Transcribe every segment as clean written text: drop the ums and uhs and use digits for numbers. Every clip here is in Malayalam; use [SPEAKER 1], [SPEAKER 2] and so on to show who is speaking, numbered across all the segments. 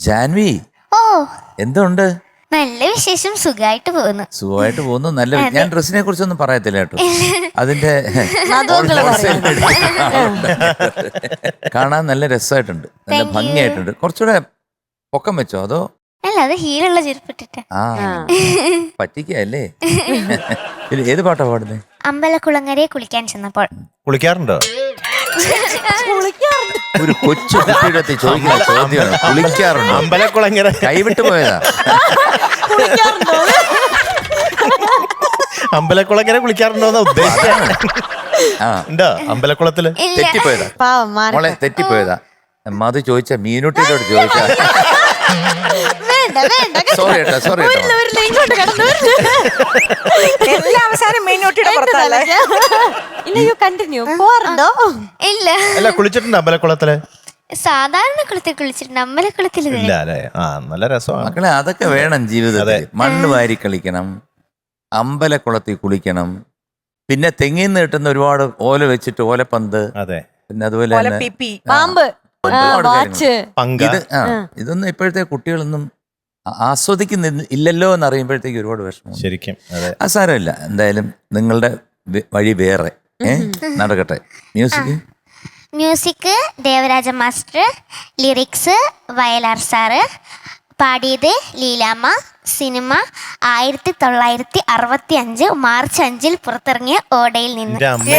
[SPEAKER 1] ജാൻവി,
[SPEAKER 2] ഓ
[SPEAKER 1] എന്തുണ്ട്?
[SPEAKER 2] നല്ല വിശേഷം, സുഖമായിട്ട് പോകുന്നു.
[SPEAKER 1] നല്ല. ഞാൻ ഡ്രസ്സിനെ കുറിച്ചൊന്നും പറയത്തില്ല കേട്ടോ. അതിന്റെ കാണാൻ നല്ല രസമായിട്ടുണ്ട്, നല്ല ഭംഗിയായിട്ടുണ്ട്. കുറച്ചുകൂടെ പൊക്കം വെച്ചോ അതോ?
[SPEAKER 2] അല്ല, അത് ഹീലുള്ള ചെരുപ്പിട്ടിട്ട്.
[SPEAKER 1] ആ പറ്റിക്കല്ലേ. ഏത് പാട്ടാ പാടുന്നേ?
[SPEAKER 2] അമ്പലക്കുളങ്ങരയെ കുളിക്കാൻ ചെന്നപ്പോൾ.
[SPEAKER 3] കുളിക്കാറുണ്ടോ?
[SPEAKER 1] ഒരു കൊച്ചു കുട്ടിയുടെ ചോദിക്കുന്ന ചോദ്യമാണ്, കുളിക്കാറുണ്ടോ?
[SPEAKER 3] അമ്പലക്കുളങ്ങര
[SPEAKER 1] കൈവിട്ട് പോയതാ.
[SPEAKER 3] അമ്പലക്കുളങ്ങര കുളിക്കാറുണ്ടോന്നാ ഉദ്ദേശിച്ചത്. ഉണ്ടോ അമ്പലക്കുളത്തില്?
[SPEAKER 1] തെറ്റിപ്പോയതാ മോളെ, തെറ്റിപ്പോയതാ. മധു ചോദിച്ച മീനുട്ടിയോട് ചോദിച്ചാ. സോറി കേട്ടോ, സോറി കേട്ടോ.
[SPEAKER 4] അവസാനം മീനോട്ടിയുടെ പുറത്തല്ലേ?
[SPEAKER 2] ഇല്ല,
[SPEAKER 3] അല്ല കുളിച്ചിട്ടുണ്ട് അമ്പലക്കുളത്തില്?
[SPEAKER 2] സാധാരണ കുളത്തിൽ കുളിച്ചിട്ടുണ്ട്, അമ്പലക്കുളത്തിൽ
[SPEAKER 3] ഇല്ല അല്ലേ? ആ നല്ല രസമാണ്
[SPEAKER 1] മക്കളെ, അതൊക്കെ വേണം ജീവിതത്തിൽ. മണ്ണ് വാരി കളിക്കണം, അമ്പലക്കുളത്തിൽ കുളിക്കണം, പിന്നെ തെങ്ങിൽ നിന്ന് കിട്ടുന്ന ഒരുപാട് ഓല വെച്ചിട്ട് ഓലപ്പന്ത്,
[SPEAKER 3] അതെ,
[SPEAKER 1] പിന്നെ അതുപോലെ തന്നെ
[SPEAKER 4] പാമ്പ്,
[SPEAKER 1] ഒരുപാട് കാര്യങ്ങൾ.
[SPEAKER 3] ഇത്
[SPEAKER 1] ഇതൊന്നും ഇപ്പോഴത്തെ കുട്ടികളൊന്നും ആസ്വദിക്കുന്നില്ലല്ലോ എന്ന് അറിയുമ്പോഴത്തേക്ക് ഒരുപാട് വിഷമം.
[SPEAKER 3] ശരിക്കും
[SPEAKER 1] ആ സാരമില്ല, എന്തായാലും നിങ്ങളുടെ വഴി വേറെ നടക്കട്ടെ.
[SPEAKER 2] Music Devaraja master, lyrics Vayalar sir, പാടിയത് ലീലാമ്മ. സിനിമ 1965 മാർച്ച് 5 പുറത്തിറങ്ങിയ ഓടയിൽ നിന്ന്.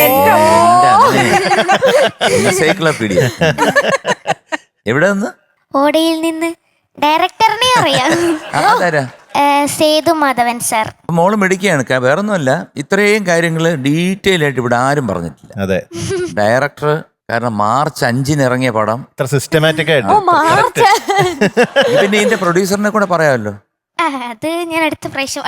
[SPEAKER 1] എൻസൈക്ലോപീഡിയ. എവിടെ നിന്ന്?
[SPEAKER 2] ഓടയിൽ നിന്ന്. ഡയറക്ടറിനെ അറിയാം, സേതു മാധവൻ സാർ.
[SPEAKER 1] മോള് മെഡിക്കുകയാണ്, വേറൊന്നുമല്ല. ഇത്രയും കാര്യങ്ങൾ ഡീറ്റെയിൽ ആയിട്ട് ഇവിടെ ആരും പറഞ്ഞിട്ടില്ല.
[SPEAKER 3] അതെ,
[SPEAKER 1] ഡയറക്ടർ. കാരണം മാർച്ച് 5 ഇറങ്ങിയ പടം
[SPEAKER 3] ഇത്ര സിസ്റ്റമാറ്റിക് ആയിട്ട്.
[SPEAKER 1] പിന്നെ ഇതിന്റെ പ്രൊഡ്യൂസറിനെ കൂടെ പറയാമല്ലോ.
[SPEAKER 2] അത് ഞാൻ അടുത്ത പ്രാവശ്യം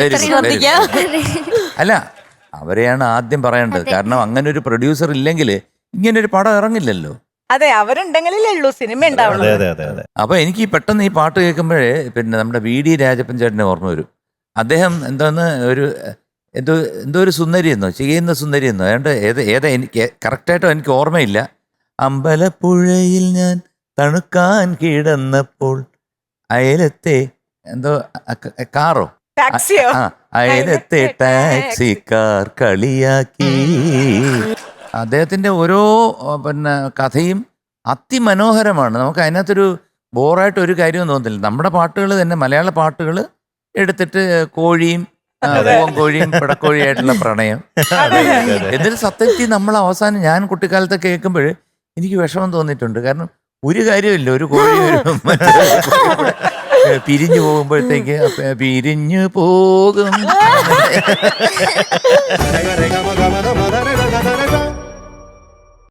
[SPEAKER 1] അല്ല, അവരെയാണ് ആദ്യം പറയേണ്ടത്. കാരണം അങ്ങനെ ഒരു പ്രൊഡ്യൂസർ ഇല്ലെങ്കിൽ ഇങ്ങനെ ഒരു പടം ഇറങ്ങില്ലല്ലോ.
[SPEAKER 4] അതെ, അവരുണ്ടെങ്കിലേ ഉള്ളൂ സിനിമ ഉണ്ടാവുള്ളൂ.
[SPEAKER 1] അപ്പൊ എനിക്ക് പെട്ടെന്ന് ഈ പാട്ട് കേൾക്കുമ്പോഴേ പിന്നെ നമ്മുടെ VD രാജപ്പൻ ചേട്ടനെ ഓർമ്മ വരും. അദ്ദേഹം എന്തോന്ന് എന്തോ ഒരു സുന്ദരി എന്നോ ചെയ്യുന്ന സുന്ദരി എന്നോ ഏതാ എനിക്ക് കറക്റ്റായിട്ടോ എനിക്ക് ഓർമ്മയില്ല. അമ്പലപ്പുഴയിൽ ഞാൻ തണുക്കാൻ കിടന്നപ്പോൾ അയലത്തെ എന്തോ കാറോ
[SPEAKER 4] ടാക്സിയോ,
[SPEAKER 1] അയലത്തെ ടാക്സിക്കാർ കളിയാക്കി. അദ്ദേഹത്തിന്റെ ഓരോ പിന്നെ കഥയും അതിമനോഹരമാണ്. നമുക്ക് അതിനകത്തൊരു ബോറായിട്ട് ഒരു കാര്യവും തോന്നുന്നില്ല. നമ്മുടെ പാട്ടുകൾ തന്നെ, മലയാള പാട്ടുകൾ എടുത്തിട്ട് കോഴിയും കോഴിയും പിടക്കോഴിയായിട്ടുള്ള പ്രണയം. എന്നിട്ട് സത്യത്തിൽ നമ്മൾ അവസാനം ഞാൻ കുട്ടിക്കാലത്ത് കേൾക്കുമ്പോൾ എനിക്ക് വിഷമം തോന്നിയിട്ടുണ്ട്. കാരണം ഒരു കാര്യമില്ല, ഒരു കോഴി പിരിഞ്ഞു പോകുമ്പോഴത്തേക്ക് പിരിഞ്ഞു പോകും.